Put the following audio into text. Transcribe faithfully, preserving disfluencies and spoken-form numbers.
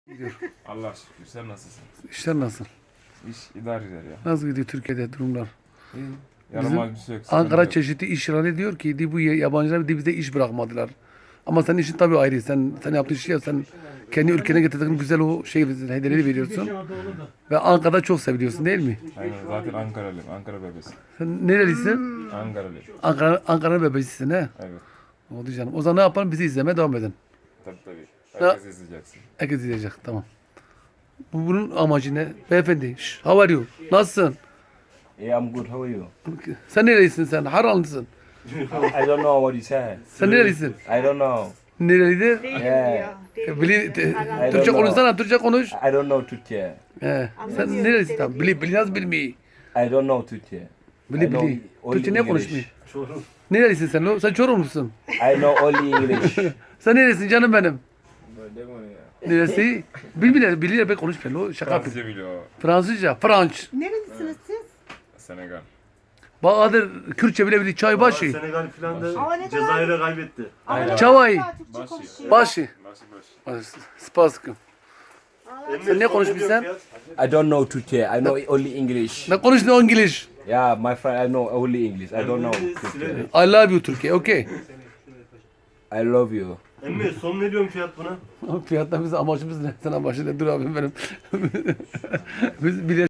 Gidiyor. Allah şükür. Sen nasılsın? İşler nasıl? İş idare eder ya. Nasıl gidiyor Türkiye'de durumlar? İyi. Bizim Yaramaz bir şey yok. Ankara sıkıntı yok. çeşitli işçiler ediyor ki di bu yabancılar di bize iş bırakmadılar. Ama senin işin tabii ayrı. Sen sen yaptığın şey ya, sen kendi ülkene getirdiğin güzel o şey hediyeleri veriyorsun. Ve Ankara'da çok seviliyorsun değil mi? Aynen. Zaten Ankaralıyım. Ankara bebesi. Sen nerelisin? Ankaralıyım. Ankara Ankara'nın bebesisin he. Evet. Oldu canım. O zaman ne yapalım? Bizi izlemeye devam edin. Tabii tabii. Ya- Herkes izleyeceksin. Herkes izleyecek. Tamam. Bu bunun amacı ne? Beyefendi. Şş, how are you? Nasılsın? Yeah, I'm good. How are you? Sen nerelisin sen? Haralısın. I don't know what you said. Sen nerelisin? I don't know. Nerelidir? Yeah. Bili, te- don't Türkçe know. konuşsana, Türkçe konuş. I don't know Türkçe. He. Sen nerelisin tam? Bili, bili nasıl bilmeyi? I don't know Türkçe. Bili I know bili. only Türkçe ne English. konuşmuyor? Nerelisin sen? lo? Sen Çorumlusun. I know only English. Sen neresin canım benim? Böyle mi ya? Neresi? Bilmiyorum, biliyor ben konuşmuyor. lo. Şaka yapıyorum. Fransızca biliyor. Fransızca, Franç. Nerelisiniz siz? Senegal. Bahadır Kürtçe bile biliyor. Çaybaşı. Senegal filan da Ama ne kadar- Cezayir'e kaybetti. Ama Çavay. Türkçe Başı. konuşuyor. Başı. Başı başı. Spaskım. Emre, Sen ne son konuşmuşsun? diyor fiyat? I don't know Türkçe. I know only English. Ne konuştun İngiliz? Yeah, my friend, I know only English. I don't know Emre, Türkçe. Silivri. I love you Türkiye. Okay. I love you. Emre son ne diyorsun fiyat buna? Fiyatlar bizim amacımız ne? Sen amacın ne? Dur abim benim. Biz bile